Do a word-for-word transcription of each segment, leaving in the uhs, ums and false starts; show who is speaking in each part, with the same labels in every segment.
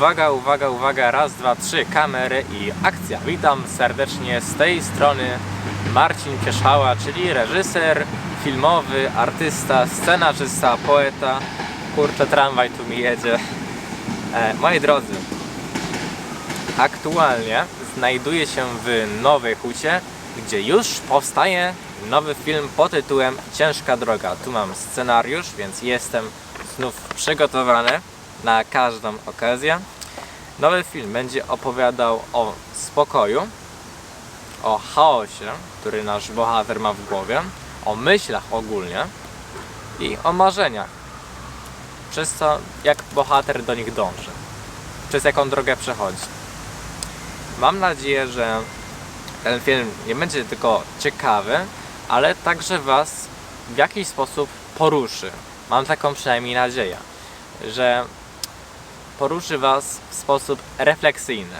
Speaker 1: Uwaga, uwaga, uwaga, raz, dwa, trzy, kamery i akcja. Witam serdecznie z tej strony Marcin Pieszała, czyli reżyser filmowy, artysta, scenarzysta, poeta. Kurczę, tramwaj tu mi jedzie. E, moi drodzy, aktualnie znajduję się w Nowej Hucie, gdzie już powstaje nowy film pod tytułem Ciężka droga. Tu mam scenariusz, więc jestem znów przygotowany na każdą okazję. Nowy film będzie opowiadał o spokoju, o chaosie, który nasz bohater ma w głowie, o myślach ogólnie i o marzeniach, przez co jak bohater do nich dąży, przez jaką drogę przechodzi. Mam nadzieję, że ten film nie będzie tylko ciekawy, ale także Was w jakiś sposób poruszy. Mam taką przynajmniej nadzieję, że poruszy Was w sposób refleksyjny.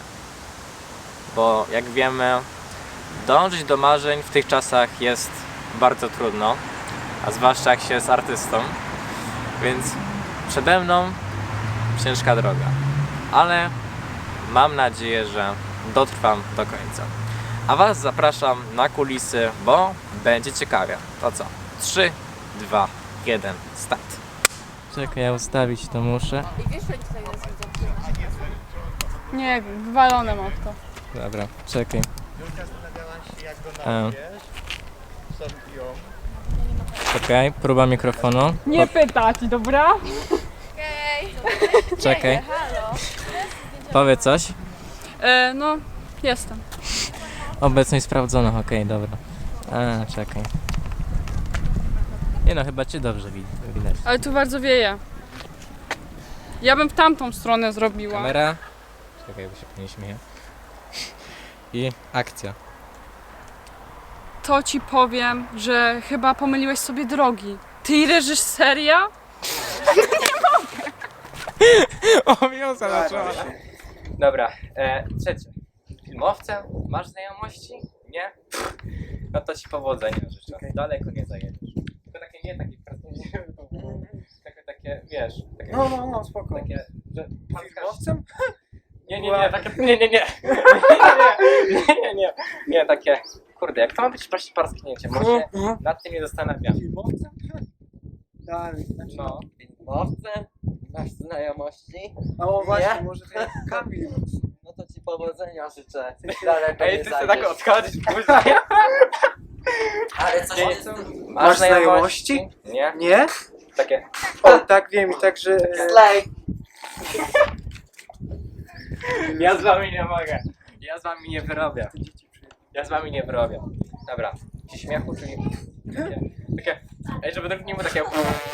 Speaker 1: Bo jak wiemy, dążyć do marzeń w tych czasach jest bardzo trudno, a zwłaszcza jak się jest artystą. Więc przede mną ciężka droga. Ale mam nadzieję, że dotrwam do końca. A Was zapraszam na kulisy, bo będzie ciekawie. To co? trzy, dwa, jeden, start. Czekaj, ja ustawić to muszę.
Speaker 2: I wiesz, że tutaj jest widzę.
Speaker 3: Nie wiem, wywalone mam w to.
Speaker 1: Dobra, czekaj.
Speaker 4: Julka zastanawiała się, jak go
Speaker 1: A.
Speaker 4: nazwiesz. Sobie ją.
Speaker 1: Czekaj, próba mikrofonu.
Speaker 3: Nie pytać, dobra?
Speaker 2: Okej.
Speaker 1: Czekaj.
Speaker 2: Halo.
Speaker 1: Powiedz coś.
Speaker 3: E, no, jestem.
Speaker 1: Obecność sprawdzona, okej, dobra. A, czekaj. Nie no, chyba Cię dobrze wid- widać.
Speaker 3: Ale tu bardzo wieje. Ja bym w tamtą stronę zrobiła.
Speaker 1: Kamera. Czekaj, bo się nie śmieję. I akcja.
Speaker 3: To ci powiem, że chyba pomyliłeś sobie drogi. Ty i reżyseria?
Speaker 1: Owiąza zaczęła. Dobra, e, trzecie. Filmowcem? Masz znajomości? Nie? No to Ci powodzenia życzę.
Speaker 4: Okej.
Speaker 1: Daleko nie zajedziesz. Tylko takie nie takie takie, takie, wiesz, takie,
Speaker 4: No, no, no, spoko.
Speaker 1: takie, że
Speaker 4: Filmowcem?
Speaker 1: Nie, nie, nie, takie, nie, nie, nie, nie, nie, nie, nie, nie, takie, kurde, jak to ma być proste parsknięcie, może
Speaker 4: Mhm.
Speaker 1: nad tym nie zastanawiam.
Speaker 4: Filmowcem? Dalej, znaczy...
Speaker 1: No,
Speaker 5: Filmowcem? Masz znajomości?
Speaker 4: A o właśnie,
Speaker 5: Nie?
Speaker 4: może to jest Kamil.
Speaker 5: No to ci powodzenia życzę. Daleko
Speaker 1: ej,
Speaker 5: nie
Speaker 1: ty chcesz
Speaker 5: zajdziesz.
Speaker 1: tak odchodzić później?
Speaker 5: Ale coś
Speaker 1: Nie,
Speaker 5: nie...
Speaker 4: Masz znajomości?
Speaker 1: Nie,
Speaker 4: Nie?
Speaker 1: takie,
Speaker 4: O, tak wiem i tak, że...
Speaker 5: Slay!
Speaker 1: ja z wami nie mogę, ja z wami nie wyrobię, ja z wami nie wyrobię. Dobra, ci śmiechu, czyli takie, takie, ej, żeby to nie było takie,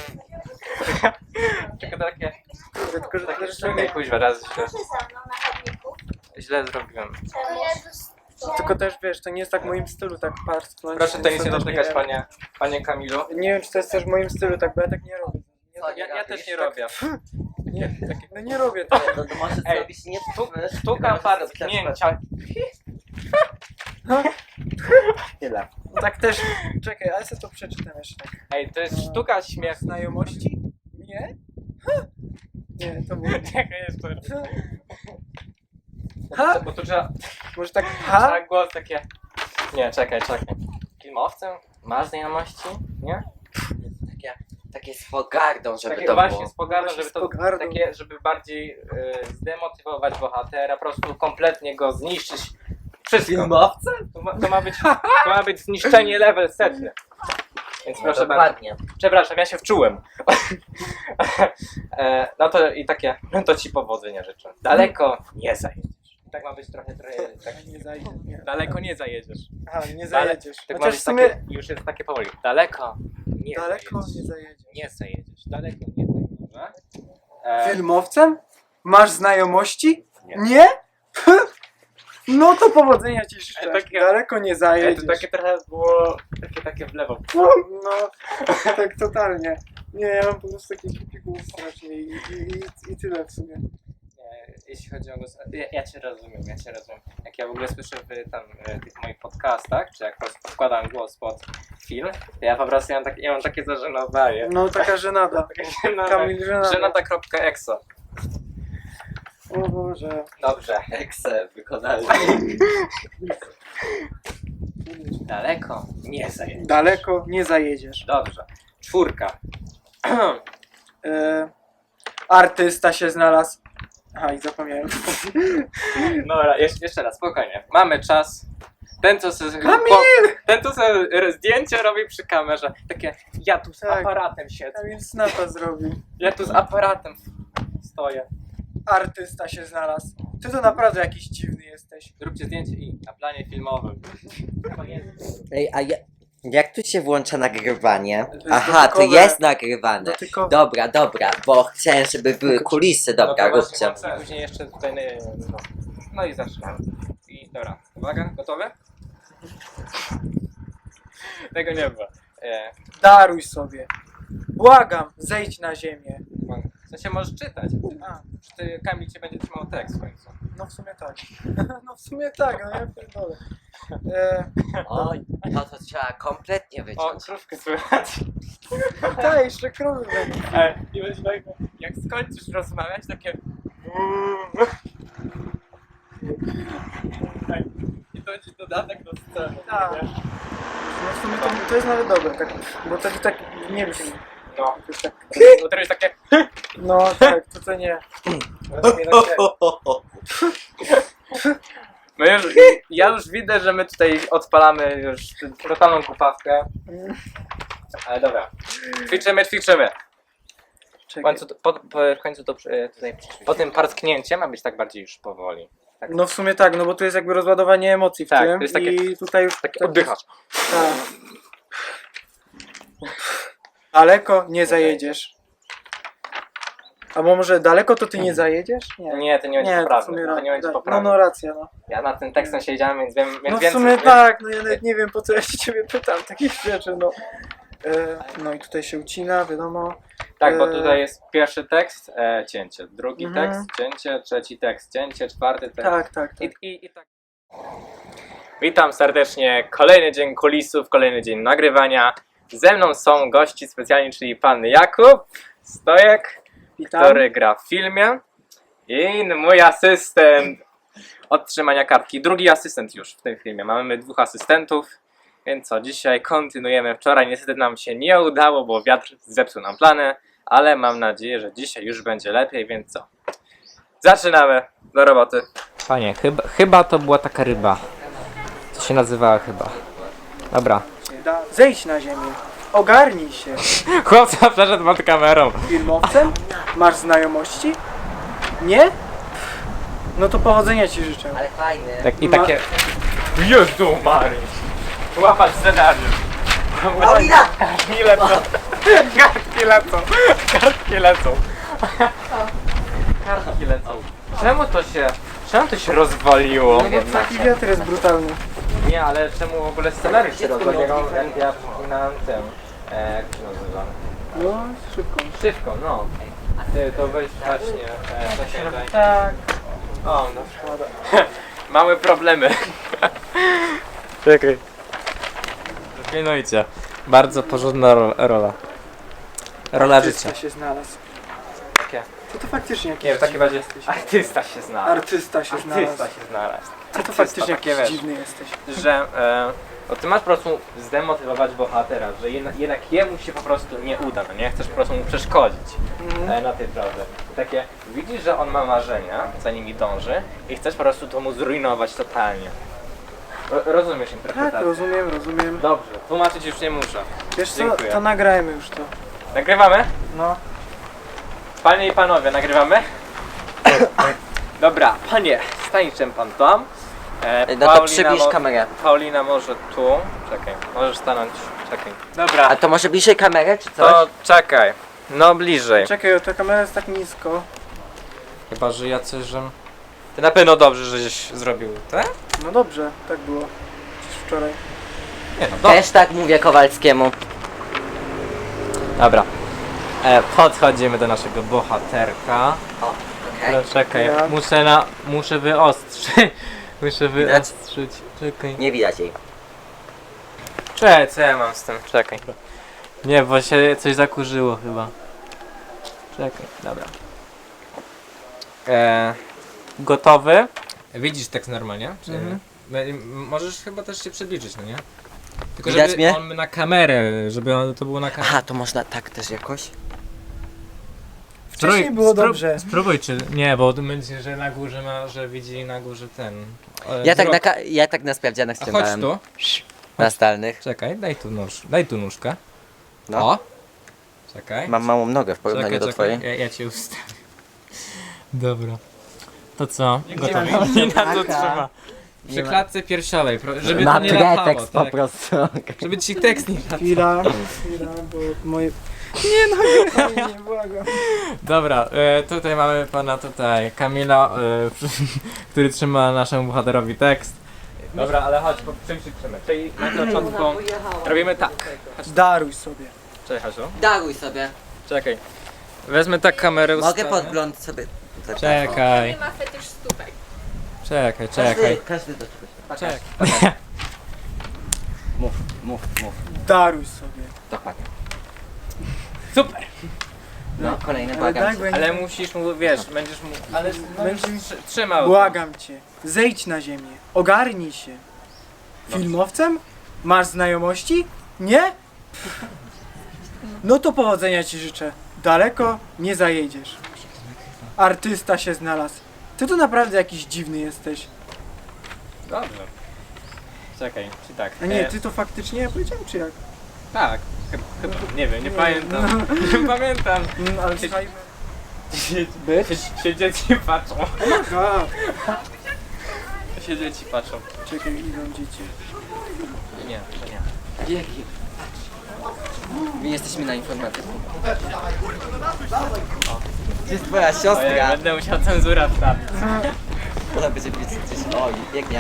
Speaker 1: tylko takie,
Speaker 4: Tylko, że
Speaker 1: takie,
Speaker 4: tak,
Speaker 1: czekaj, kuźwa, raz źle, źle zrobiłem.
Speaker 4: Tylko też wiesz, to nie jest tak w moim stylu, tak parsknąć.
Speaker 1: Proszę to nic nie
Speaker 4: też
Speaker 1: dotykać, panie, panie Kamilu.
Speaker 4: Nie wiem, czy to jest też w moim stylu, tak, bo ja tak nie robię. Nie,
Speaker 5: Co,
Speaker 4: tak,
Speaker 1: Ja, ja też nie
Speaker 4: tak-
Speaker 1: robię.
Speaker 4: nie, no nie robię tak.
Speaker 5: No to może
Speaker 1: Ej,
Speaker 5: zrobić nie wiesz,
Speaker 1: Sztuka parsknięcia.
Speaker 4: Tyle. No tak też, czekaj, ale sobie to przeczytam jeszcze tak.
Speaker 1: Ej, to jest sztuka śmiechu.
Speaker 4: Znajomości? Nie? Ha! Nie, to było...
Speaker 1: Czekaj, jeszcze.
Speaker 4: Ha!
Speaker 1: Bo tu trzeba,
Speaker 4: Może tak
Speaker 1: trzeba
Speaker 4: ha?
Speaker 1: głos takie. Nie, czekaj, czekaj. Filmowcem? Masz znajomości? Nie?
Speaker 5: takie, takie z pogardą, żeby
Speaker 1: Takie
Speaker 5: to
Speaker 1: właśnie
Speaker 5: było.
Speaker 1: z pogardą,
Speaker 4: Właśnie
Speaker 1: żeby
Speaker 4: z
Speaker 1: to
Speaker 4: pogardą.
Speaker 1: takie, żeby bardziej y, zdemotywować bohatera, po prostu kompletnie go zniszczyć. Wszystko.
Speaker 5: Filmowcem?
Speaker 1: To ma, to ma być, to ma być zniszczenie level setny. Więc proszę bardzo.
Speaker 5: Dokładnie.
Speaker 1: Przepraszam, ja się wczułem. e, no to i takie, no to ci powodzenia życzę. Daleko nie zajedziesz. Tak ma być trochę, trochę tak,
Speaker 4: Nie zajdzie, nie.
Speaker 1: daleko nie zajedziesz.
Speaker 4: Aha, nie
Speaker 1: Dale-
Speaker 4: zajedziesz.
Speaker 1: Tak ma
Speaker 4: Chociaż
Speaker 1: być
Speaker 4: w sumie
Speaker 1: takie, już jest takie powoli. Daleko nie
Speaker 4: daleko
Speaker 1: zajedziesz.
Speaker 4: nie zajedziesz.
Speaker 1: Nie zajedziesz. Daleko nie zajedziesz. E,
Speaker 4: Filmowcem? Masz znajomości?
Speaker 1: Nie.
Speaker 4: Nie? No to powodzenia ci życzę.
Speaker 1: E, takie-
Speaker 4: Daleko nie
Speaker 1: e,
Speaker 4: zajedziesz.
Speaker 1: to takie trochę było, takie, takie w lewo.
Speaker 4: No, no, tak totalnie. Nie, ja mam po prostu taki głupi głos strasznie i, i, i, i tyle w sumie.
Speaker 1: E, Jeśli chodzi o głos, ja, ja Cię rozumiem, ja Cię rozumiem. Jak ja w ogóle słyszę w tam, e, tych moich podcastach, czy jak po prostu wkładam głos pod film, to ja po prostu ja mam, tak, ja mam takie zażenowanie.
Speaker 4: No taka żenada.
Speaker 1: Takie żenada,
Speaker 4: Kamil żenada.
Speaker 1: żenada.exo.
Speaker 4: O Boże.
Speaker 1: Dobrze.
Speaker 5: Excel wykonalny.
Speaker 1: Daleko nie zajedziesz.
Speaker 4: Daleko nie zajedziesz.
Speaker 1: Dobrze. Czwórka.
Speaker 4: E, artysta się znalazł. Aha, i zapomniałem.
Speaker 1: Dobra, jeszcze, jeszcze raz, spokojnie. Mamy czas. Ten, co sobie,
Speaker 4: Kamil!
Speaker 1: ten, co sobie zdjęcie robi przy kamerze. Takie, ja tu z
Speaker 4: Tak.
Speaker 1: aparatem siedzę.
Speaker 4: Kamil snapa zrobił.
Speaker 1: Ja tu z aparatem stoję.
Speaker 4: Artysta się znalazł. Ty to naprawdę jakiś dziwny jesteś.
Speaker 1: Zróbcie zdjęcie i na planie filmowym.
Speaker 5: Ej, a ja, jak tu się włącza nagrywanie?
Speaker 4: jest
Speaker 5: Aha, to
Speaker 4: dotykowe.
Speaker 5: jest nagrywane.
Speaker 4: Dotykowe.
Speaker 5: Dobra, dobra, bo chciałem, żeby były kulisy. Dobra,
Speaker 1: no
Speaker 5: róbcie.
Speaker 1: właśnie, później jeszcze tutaj... No, no i zaczynamy. I dobra, uwaga, gotowe? Tego nie było. E,
Speaker 4: Daruj sobie. Błagam, zejdź na ziemię.
Speaker 1: w sensie możesz czytać.
Speaker 4: A,
Speaker 1: Czy ty, Kamil cię będzie trzymał tekst w końcu.
Speaker 4: no w sumie tak. No w sumie tak, no ja pierdolę. E,
Speaker 5: Oj, to to trzeba kompletnie
Speaker 1: O,
Speaker 5: wyciąć.
Speaker 1: krówkę słychać.
Speaker 4: tak, jeszcze krowy będą.
Speaker 1: E, I będzie tak, jak skończysz rozmawiać, takie... Tak. I to będzie dodatek do sceny.
Speaker 4: Tak.
Speaker 1: nie?
Speaker 4: No w sumie to, to jest nawet dobre, tak, bo to tak nie brzmi.
Speaker 1: No,
Speaker 4: To jest tak,
Speaker 1: bo to jest takie...
Speaker 4: no tak, to to nie. To nie tak
Speaker 1: No już, ja już widzę, że my tutaj odpalamy już totalną kupawkę. Ale dobra. Ćwiczymy, ćwiczymy. W
Speaker 4: Czekaj.
Speaker 1: końcu, to- po, po, w końcu to e, tutaj, po tym parsknięcie ma być tak bardziej już powoli.
Speaker 4: No w sumie tak, no bo tu jest jakby rozładowanie emocji w
Speaker 1: Tak,
Speaker 4: tym
Speaker 1: to jest takie-
Speaker 4: i tutaj już
Speaker 1: Tak
Speaker 4: tak,
Speaker 1: oddychasz.
Speaker 4: tak. Daleko nie zajedziesz. A może daleko to ty nie zajedziesz?
Speaker 1: Nie, to nie będzie
Speaker 4: Nie, to w
Speaker 1: poprawne.
Speaker 4: sumie
Speaker 1: To nie będzie
Speaker 4: ra- no,
Speaker 1: poprawne.
Speaker 4: no racja, no.
Speaker 1: Ja nad tym tekstem siedziałem, więc wiem, więc
Speaker 4: No w
Speaker 1: więcej,
Speaker 4: sumie
Speaker 1: więc-
Speaker 4: tak, no ja nawet nie wiem po co ja się ciebie pytam takich rzeczy, no. E, no i tutaj się ucina, wiadomo.
Speaker 1: Tak, bo
Speaker 4: e,
Speaker 1: tutaj jest pierwszy tekst, e, cięcie, drugi
Speaker 4: Mhm.
Speaker 1: tekst, cięcie, trzeci tekst, cięcie, czwarty tekst.
Speaker 4: Tak, tak, tak.
Speaker 1: I, i, i tak. Witam serdecznie. Kolejny dzień kulisów, kolejny dzień nagrywania. Ze mną są gości specjalni, czyli pan Jakub Stojek,
Speaker 4: Witam.
Speaker 1: który gra w filmie, i mój asystent od trzymania kartki. Drugi asystent już w tym filmie. Mamy dwóch asystentów, więc co, dzisiaj kontynuujemy. Wczoraj niestety nam się nie udało, bo wiatr zepsuł nam plany, ale mam nadzieję, że dzisiaj już będzie lepiej, więc co? Zaczynamy do roboty. Panie, chyba, chyba to była taka ryba. Co się nazywała chyba. Dobra.
Speaker 4: Da, zejdź na ziemię. Ogarnij się.
Speaker 1: Chłopca przeszedł pod kamerą.
Speaker 4: Filmowcem? Masz znajomości? Nie? No to powodzenia ci życzę.
Speaker 5: Ale fajny.
Speaker 1: Tak, I
Speaker 4: Ma-
Speaker 1: takie... Jezu Mary! Łapać scenariusz.
Speaker 5: Paulina!
Speaker 1: Kartki lecą. Kartki lecą. Kartki lecą. Kartki lecą. Czemu to się... Czemu to się rozwaliło?
Speaker 4: No bo taki wiatr jest brutalny.
Speaker 1: Nie, ale czemu w ogóle scenariusz się rozwalił? Ja przypominałem tym... E, jak się nazywa?
Speaker 4: No, szybko.
Speaker 1: Szybko, no. Ty, to weź właśnie... E, to się daj.
Speaker 4: Tak.
Speaker 1: O, no szkoda. Mamy problemy. Czekaj. Pilnujcie. Bardzo porządna ro rola. Rola
Speaker 4: Artysta
Speaker 1: życia.
Speaker 4: się znalazł.
Speaker 1: Takie.
Speaker 4: Co to faktycznie jakiś
Speaker 1: Nie wiem, takie
Speaker 4: dziwny
Speaker 1: bardziej...
Speaker 4: jesteś?
Speaker 1: Artysta się znalazł.
Speaker 4: Artysta się
Speaker 1: Artysta
Speaker 4: znalazł.
Speaker 1: się znalazł.
Speaker 4: Co to
Speaker 1: Artysta,
Speaker 4: faktycznie
Speaker 1: takie,
Speaker 4: jakiś
Speaker 1: wiesz,
Speaker 4: dziwny jesteś.
Speaker 1: Że... E, bo ty masz po prostu zdemotywować bohatera, że jednak, jednak jemu się po prostu nie uda, no nie? Chcesz po prostu mu przeszkodzić
Speaker 4: Mhm.
Speaker 1: e, na tej drodze. Takie, widzisz, że on ma marzenia, za nimi dąży i chcesz po prostu to mu zrujnować totalnie. Ro rozumiesz
Speaker 4: Tak,
Speaker 1: interpretację?
Speaker 4: rozumiem, rozumiem.
Speaker 1: Dobrze, tłumaczyć już nie muszę.
Speaker 4: Wiesz co,
Speaker 1: Dziękuję.
Speaker 4: to nagrajmy już to.
Speaker 1: Nagrywamy?
Speaker 4: No.
Speaker 1: Panie i panowie, nagrywamy? Dobra, panie, stańczem pan tam. E,
Speaker 5: No to przybliż
Speaker 1: mo-
Speaker 5: kamerę.
Speaker 1: Paulina może tu. Czekaj, możesz stanąć. Czekaj. Dobra,
Speaker 5: A to może bliżej kamerę, czy coś?
Speaker 1: to czekaj. No bliżej.
Speaker 4: Czekaj, ta kamera jest tak nisko.
Speaker 1: Chyba, że jacyś, że... Ty na pewno dobrze, żeś zrobił, tak?
Speaker 4: No dobrze, tak było. Przecież wczoraj.
Speaker 1: Nie no, dobrze.
Speaker 5: Też tak mówię Kowalskiemu.
Speaker 1: Dobra. E, podchodzimy do naszego bohaterka.
Speaker 5: O, okej.
Speaker 1: Okay. Czekaj,
Speaker 4: Ja.
Speaker 1: muszę na... muszę wyostrzyć. Muszę
Speaker 5: Widać?
Speaker 1: wyostrzyć. Czekaj.
Speaker 5: Nie widać jej.
Speaker 1: Czekaj, co ja mam z tym? Czekaj. Nie, bo się coś zakurzyło chyba. Czekaj, dobra. Eee, gotowy. Widzisz tekst normalnie? Czy
Speaker 4: Mhm.
Speaker 1: M- możesz chyba też się przybliżyć, no nie? Tylko
Speaker 5: Widać
Speaker 1: żeby
Speaker 5: mnie?
Speaker 1: on na kamerę, żeby on, to było na kamerę.
Speaker 5: Aha, to można tak też jakoś?
Speaker 4: Wcześniej było dobrze.
Speaker 1: Spróbuj, czy nie, bo to będzie, że na górze ma, że widzi na górze ten. e,
Speaker 5: Ja tak, na,
Speaker 1: wzrok.
Speaker 5: ka- ja tak na sprawdzianach
Speaker 1: A chodź
Speaker 5: ściągałem.
Speaker 1: tu.
Speaker 5: Na zdalnych.
Speaker 1: Czekaj, daj tu nóż, daj tu nóżkę.
Speaker 5: No.
Speaker 1: O! Czekaj.
Speaker 5: Mam małą nogę w porównaniu
Speaker 1: czekaj,
Speaker 5: do
Speaker 1: czekaj.
Speaker 5: twojej.
Speaker 1: Ja, ja cię ustawię. Dobra. To co?
Speaker 4: Nie
Speaker 1: Gotowi?
Speaker 4: ma
Speaker 1: Nie na to
Speaker 5: taka.
Speaker 1: trzyma. Przy
Speaker 5: Nie ma-
Speaker 1: klatce piersiowej, pro- żeby
Speaker 5: Na
Speaker 1: to nie latało,
Speaker 5: pretekst po
Speaker 1: tak?
Speaker 5: prostu.
Speaker 1: Żeby ci tekst nie latał.
Speaker 4: Chwila, chwila, bo moje... Nie no, nie, nie, błagam.
Speaker 1: Dobra, e, tutaj mamy pana tutaj Kamila, e, który trzyma naszemu bohaterowi tekst. Dobra, ale chodź, po czym się trzymy? Czyli na początku robimy tak.
Speaker 4: Daruj sobie.
Speaker 1: Czekaj, Hasiu.
Speaker 5: Daruj sobie.
Speaker 1: Czekaj. Wezmę tak kamerę
Speaker 5: Mogę
Speaker 1: ustawię.
Speaker 5: podgląd sobie.
Speaker 1: Czekaj,
Speaker 2: Nie ma fetysz stópek.
Speaker 1: czekaj,
Speaker 5: Każdy,
Speaker 1: czekaj.
Speaker 5: każdy do czegoś.
Speaker 1: Czekaj.
Speaker 5: Mów, mów, mów.
Speaker 4: Daruj sobie.
Speaker 5: Dokładnie.
Speaker 1: Super!
Speaker 5: No, kolejny
Speaker 4: Ale
Speaker 5: błagam
Speaker 4: daj,
Speaker 5: cię.
Speaker 4: bo ja
Speaker 1: Ale
Speaker 4: nie-
Speaker 1: musisz mu, wiesz, będziesz mu... Ale
Speaker 4: Będziesz mi-
Speaker 1: trzy- trzymał.
Speaker 4: Błagam cię, zejdź na ziemię, ogarnij się. Filmowcem? Masz znajomości? Nie? No to powodzenia ci życzę. Daleko nie zajedziesz. Artysta się znalazł. Ty to naprawdę jakiś dziwny jesteś.
Speaker 1: Dobrze. Czekaj, czy tak?
Speaker 4: A nie,
Speaker 1: E,
Speaker 4: ty to faktycznie ja powiedziałem, czy jak?
Speaker 1: Tak, chyba, chyba, nie wiem, nie
Speaker 4: Nie.
Speaker 1: pamiętam. Nie pamiętam.
Speaker 4: Mm, ale słuchaj...
Speaker 1: Być? Się, się dzieci patrzą.
Speaker 4: A,
Speaker 1: Się dzieci patrzą.
Speaker 4: czekaj, idą dzieci.
Speaker 1: Nie, to nie.
Speaker 5: Dzięki. My jesteśmy na informatyce. Gdzie jest twoja
Speaker 1: Ojej,
Speaker 5: siostra?
Speaker 1: będę musiał cenzurę wstawić.
Speaker 5: Ona będzie pisać gdzieś. Oj, biegnie.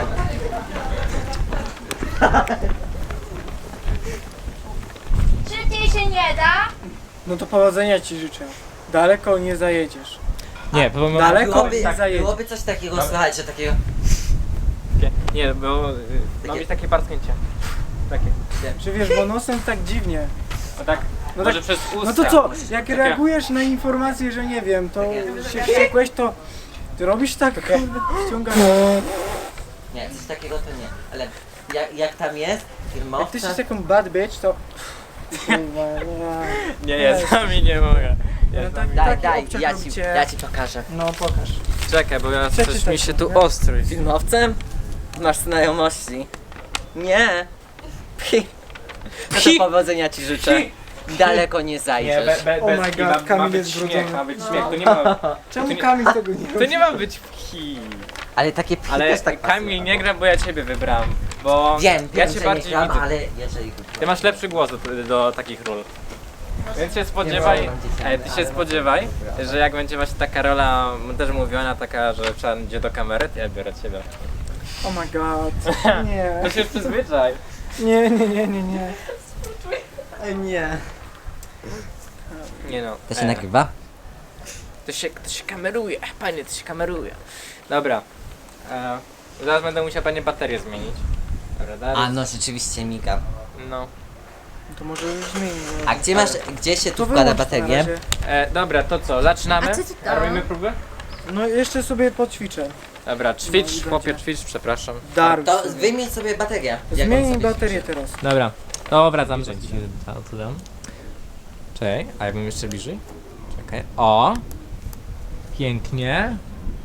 Speaker 2: Szybciej się nie da.
Speaker 4: No to powodzenia ci życzę. Daleko nie zajedziesz.
Speaker 1: Nie, bo my...
Speaker 4: Daleko
Speaker 5: Byłoby,
Speaker 4: nie zajedziesz.
Speaker 5: byłoby coś takiego, słuchajcie, takiego...
Speaker 1: Nie, bo y, ma
Speaker 5: Takie-
Speaker 1: być takie parsknięcie. Takie.
Speaker 4: Czy wiesz, bo nosem tak dziwnie.
Speaker 1: O tak,
Speaker 4: No
Speaker 1: może
Speaker 4: tak-
Speaker 1: przez usta.
Speaker 4: No to co, jak
Speaker 1: Takie-
Speaker 4: reagujesz na informację, że nie wiem, to się wściekłeś, to ty robisz tak, kurde, ściągasz.
Speaker 5: Nie, coś takiego to nie. Ale jak, jak tam jest,
Speaker 4: Jak ty
Speaker 5: filmowca...
Speaker 4: jesteś taką bad bitch, to... Kurwa,
Speaker 1: Nie, ja sami nie mogę. Ja
Speaker 4: No
Speaker 1: sami...
Speaker 4: tak,
Speaker 5: Daj,
Speaker 4: taki
Speaker 5: daj,
Speaker 4: obciach
Speaker 5: ja ci,
Speaker 4: robicie.
Speaker 5: ja ci pokażę.
Speaker 4: No pokaż.
Speaker 1: Czekaj, bo ja coś
Speaker 4: Przeczytaj
Speaker 1: mi się
Speaker 4: to,
Speaker 1: tu
Speaker 4: nie?
Speaker 1: ostrój.
Speaker 5: Filmowcem? Masz znajomości. Nie. Pi. No
Speaker 1: Pi.
Speaker 5: to powodzenia ci życzę. Daleko nie
Speaker 1: Nie,
Speaker 5: zajdziesz.
Speaker 1: be, be,
Speaker 4: Oh
Speaker 1: bez
Speaker 4: my
Speaker 1: ki,
Speaker 4: God,
Speaker 1: ma, ma
Speaker 4: Kamil
Speaker 1: być
Speaker 4: jest
Speaker 1: śmiech,
Speaker 4: zbrudzony.
Speaker 1: ma być śmiech, to nie ma,
Speaker 4: Czemu
Speaker 1: nie-
Speaker 4: Kamil tego nie
Speaker 1: to
Speaker 4: robi?
Speaker 1: nie ma być pchi.
Speaker 5: Ale takie pi
Speaker 1: Ale
Speaker 5: też tak
Speaker 1: Kamil
Speaker 5: pasuje.
Speaker 1: nie gra, bo ja ciebie wybrałem, bo
Speaker 5: Wiem,
Speaker 1: ja
Speaker 5: wiem,
Speaker 1: cię
Speaker 5: że
Speaker 1: bardziej
Speaker 5: nie gram,
Speaker 1: widzę.
Speaker 5: ale jeżeli...
Speaker 1: Ty masz lepszy głos do, do takich ról. Więc się spodziewaj,
Speaker 5: Nie mam dzieciaka,
Speaker 1: ej, ty się
Speaker 5: ale-
Speaker 1: spodziewaj, że jak będzie właśnie taka rola też mówiona, taka, że trzeba idzie do kamery, to ja biorę ciebie.
Speaker 4: Oh my god. Nie.
Speaker 1: To się przyzwyczaj.
Speaker 4: Nie, nie, nie, nie, nie.
Speaker 5: Ej, nie.
Speaker 1: Nie no.
Speaker 5: To się
Speaker 1: e,
Speaker 5: nagrywa?
Speaker 1: To się, to się kameruje, panie, to się kameruje. Dobra. E, zaraz będę musiał panie baterię zmienić. Dobra, dalej.
Speaker 5: A no, rzeczywiście miga.
Speaker 1: No.
Speaker 4: To może już zmienimy.
Speaker 5: A gdzie masz, gdzie się tu
Speaker 4: To
Speaker 5: wkłada
Speaker 4: wyłącz na
Speaker 5: baterię?
Speaker 4: razie.
Speaker 1: E, dobra, to co, zaczynamy?
Speaker 2: A co ty tam?
Speaker 1: Robimy próbę?
Speaker 4: No jeszcze sobie poćwiczę.
Speaker 1: Dobra, ćwicz,
Speaker 4: No i
Speaker 1: chłopie,
Speaker 4: będzie.
Speaker 1: ćwicz, przepraszam.
Speaker 4: Daruj
Speaker 5: To
Speaker 4: sobie.
Speaker 5: wymień sobie baterię. Jak on
Speaker 4: Zmienij
Speaker 5: sobie
Speaker 4: baterię
Speaker 5: życzy.
Speaker 4: teraz.
Speaker 1: Dobra, to wracam. To dam. Czekaj, a jakbym jeszcze bliżej? Czekaj, o! Pięknie.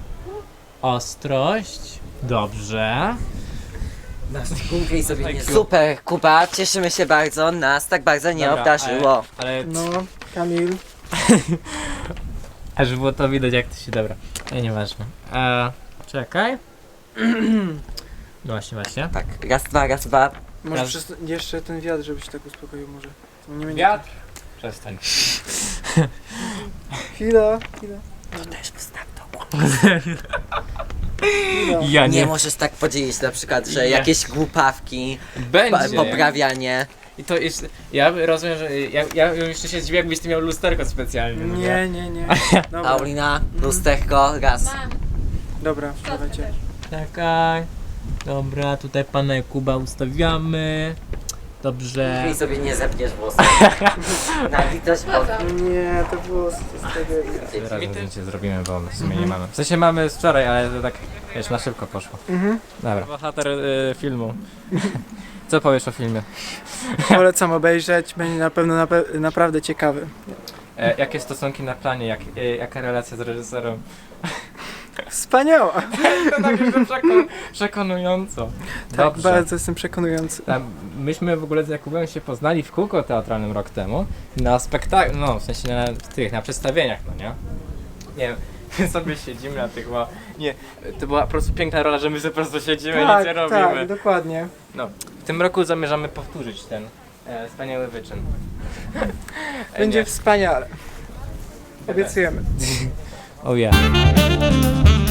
Speaker 1: Ostrość. Dobrze.
Speaker 5: Kumpli sobie
Speaker 1: Thank
Speaker 5: nie...
Speaker 1: you.
Speaker 5: Super, Kuba, cieszymy się bardzo. Nas tak bardzo nie
Speaker 1: Dobra,
Speaker 5: obdarzyło.
Speaker 1: Ale, ale
Speaker 4: No, Kamil.
Speaker 1: aż było to widać jak to się dobra. Nie, nieważne. E, czekaj. No właśnie, właśnie.
Speaker 5: Tak, raz, dwa, raz, dwa.
Speaker 4: Może
Speaker 1: Raz.
Speaker 4: przez, jeszcze ten wiatr, żebyś tak uspokoił może. Nie będzie...
Speaker 1: Wiatr. Przestań.
Speaker 4: Chwila, chwila.
Speaker 5: To też postaw to.
Speaker 4: chwila.
Speaker 1: Ja
Speaker 5: Nie możesz tak podzielić na przykład, że
Speaker 1: Nie.
Speaker 5: jakieś głupawki, pa-
Speaker 1: Będzie.
Speaker 5: poprawianie.
Speaker 1: I to jest. Ja rozumiem, że. Ja, ja jeszcze się zdziwię, jakbyś ty miał lusterko specjalnie. no
Speaker 4: Nie, nie, nie. Dobra,
Speaker 5: Paulina, lusterko, raz.
Speaker 2: Mam.
Speaker 4: dobra,
Speaker 2: Szczotkę
Speaker 4: dawajcie.
Speaker 2: też.
Speaker 1: Czekaj. Dobra, tutaj pana Kuba ustawiamy. Dobrze.
Speaker 5: I sobie nie zepniesz włosów. Na litość Boga.
Speaker 4: Nie, to było z, z tego...
Speaker 1: Razem zdjęcie zrobimy, bo w sumie nie mamy. W sensie mamy z wczoraj, ale to tak, wiesz, na szybko poszło.
Speaker 4: Mhm.
Speaker 1: Dobra. Bohater y, filmu. Co powiesz o filmie?
Speaker 4: Polecam obejrzeć, będzie na pewno nape- naprawdę ciekawy.
Speaker 1: E, jakie stosunki na planie? Jak, e, jaka relacja z reżyserem?
Speaker 4: Wspaniała!
Speaker 1: To tak już przekon- przekonująco.
Speaker 4: Tak,
Speaker 1: Dobrze.
Speaker 4: bardzo jestem przekonujący.
Speaker 1: Tam, myśmy w ogóle z Jakubem się poznali w kółko teatralnym rok temu na spektaklu, no w sensie na tych, na przedstawieniach, no nie? Nie wiem, my sobie siedzimy na tych, bo nie, to była po prostu piękna rola, że my sobie po prostu siedzimy i nic nie robimy.
Speaker 4: tak, dokładnie.
Speaker 1: No, w tym roku zamierzamy powtórzyć ten e, wspaniały wyczyn. E,
Speaker 4: Będzie
Speaker 1: nie.
Speaker 4: wspaniale. Obiecujemy.
Speaker 1: Oh yeah.